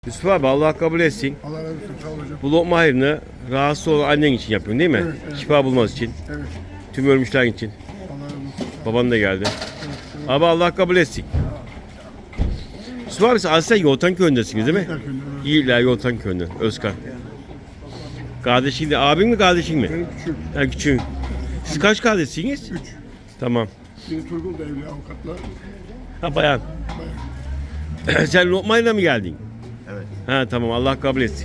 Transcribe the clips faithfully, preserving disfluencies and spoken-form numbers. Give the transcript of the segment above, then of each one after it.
Yusuf abi Allah kabul etsin. Allah razı olsun, sağ ol hocam. Bu lokma hayrını rahatsız olan annen için yapıyorsun değil mi? Evet, evet. Şifa bulması için. Evet, Tüm ölmüşler için. Allah razı olsun. Baban da geldi. Evet, evet. Abi Allah kabul etsin. Yusuf abi siz aslında Yoltan köyündesiniz değil mi? Tekrar köyünden, evet. İyiler Yoltan köyünde. Özkan. Kardeşin de abin mi kardeşin mi? Benim küçüğüm, Ha küçüğün. Siz kaç kardeşsiniz? üç. Tamam. Biri Turgul da evli avukatla. Ha bayan. Bayağı. Sen lokmayla mı geldin? Evet. Ha tamam Allah kabul etsin.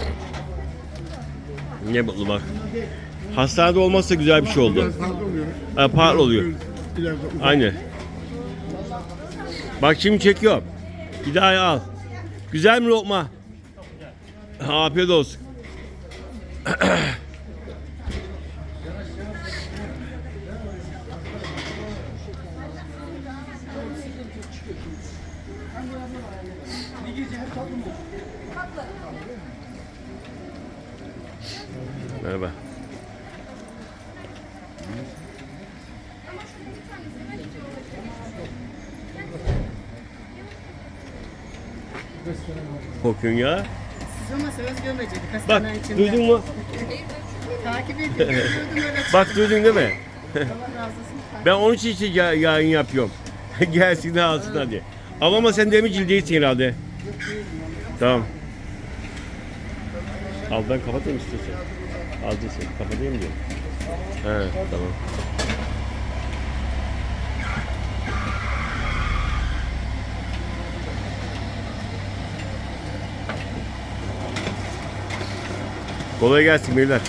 Ne mutlu bak. Hastanede olmazsa güzel bir şey oldu. Biraz fazla oluyor. Ha, pahalı oluyor. İleride ufak. Aynı. Bak şimdi çekiyorum. Bir daha al. Güzel mi lokma? Afiyet olsun. Merhaba. Kokuyorsun ya. Siz olmasanız gömecektik Bak hastanenin içinde. duydun mu? Takip ediyorum. Duydum öyle. Bak duydun değil mi? Allah razı olsun. Ben onun için işte ya- yayın yapıyorum. Gelsin de alsın hadi. Ama sen demircil değilsin herhalde. Tamam. Al ben kapatayım istiyorsan. Al değilsin. Kapatayım diyor. He tamam. Kolay gelsin beyler.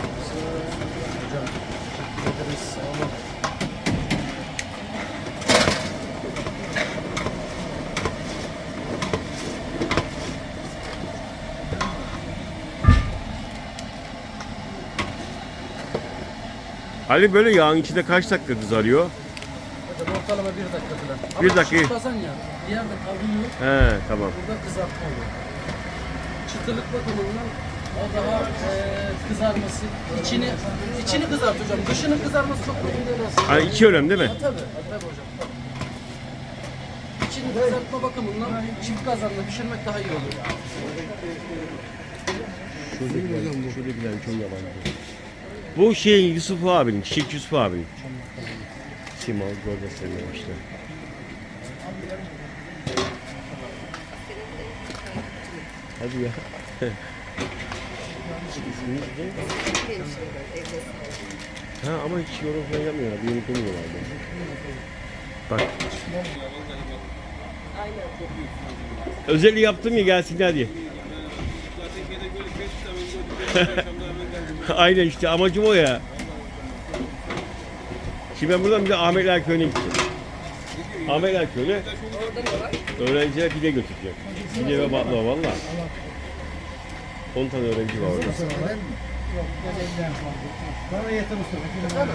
Ali böyle yağın içinde kaç dakika kızarıyor? Hocam ortalama bir dakika falan. Bir Ama dakika. çıtlasan ya, bir yerde kavruluyor, He tamam. burada kızartma oluyor. Çıtırlık bakımından o daha e, kızarması, içini içini kızart hocam. Dışının kızarması çok mühim değil aslında. Ha, iki önemli değil mi? Ha, tabii, ha, tabii hocam. Tabii. İçini kızartma bakımından çift kazanla pişirmek daha iyi oluyor. Şuradakiler, şuradakiler çok yabancı. Bu şeyin Yusuf abinin, Çiçek Yusuf abinin. Simal orada seviyor işte. Hadi ya. İsminiz ne? Ha ama hiç yorum falan yapmıyorlar. Bir unutmuyorlar. Bak. Özelliği yaptım ya gelsinler diye. Aynen işte amacım o ya. Şimdi ben buradan bir de Ahmetler Köyü'ne gideceğim. Ahmetler Köyü'ne öğrenciler pide götüreceğim. Pide ve baklava valla. on tane öğrenci var orada. Bana yeter usta.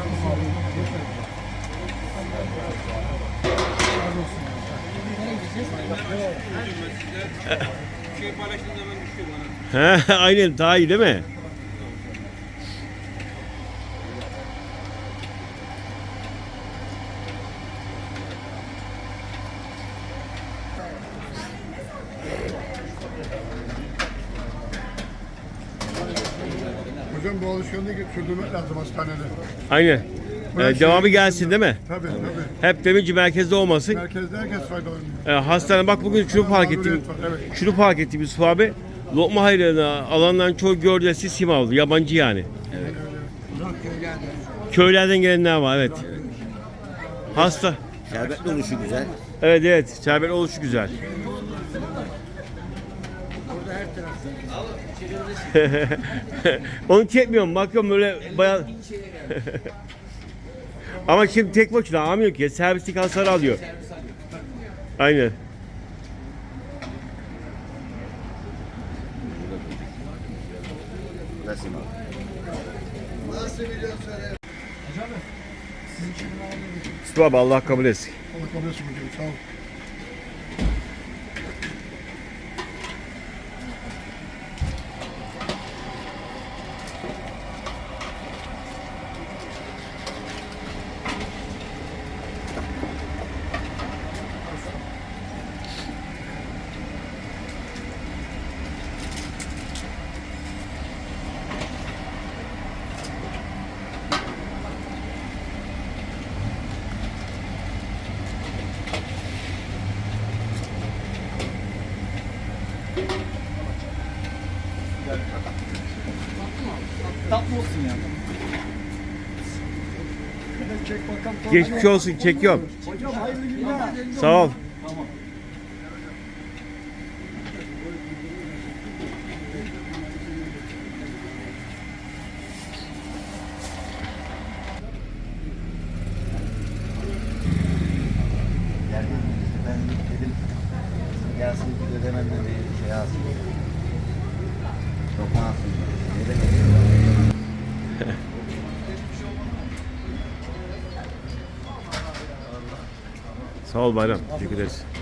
Şey paylaştığın zaman düşüyor bana. He aynen daha iyi değil mi? Hocam bu alışkanlığı sürdürmek lazım hastanede. Aynen. Buraya Ee, şey- devamı gelsin değil mi? Tabii tabii. Hep demirci merkezde olmasın. Merkezde herkes faydalanıyor. Ee, hastane bak bugün şunu fark ettim. Mağduriyet var, evet. Şunu fark ettim Yusuf abi. Lokma hayrına alanların çoğu gördüğü Simavlı. Yabancı yani. Köylerden gelenler var evet. Hasta. Şerbetli oluşu güzel. Evet evet. Şerbet oluşu güzel. Onu çekmiyorum. Bakıyorum böyle bayağı... Ama şimdi tek başına almıyor ki. Servislik hasar alıyor. Aynen. Nasıl abi? Yusuf abi Allah kabul etsin. Allah kabul etsin hocam, sağ ol. Tatlı olsun yani. Çek bakalım. Geçmiş olsun, çekiyorum. Hocam hayırlı günler. Sağ ol. Yani ben dedim gelsin ödememle bir şey alsın. Lokma alsın. Ne demek? Sağ ol Bayram. Teşekkür ederiz.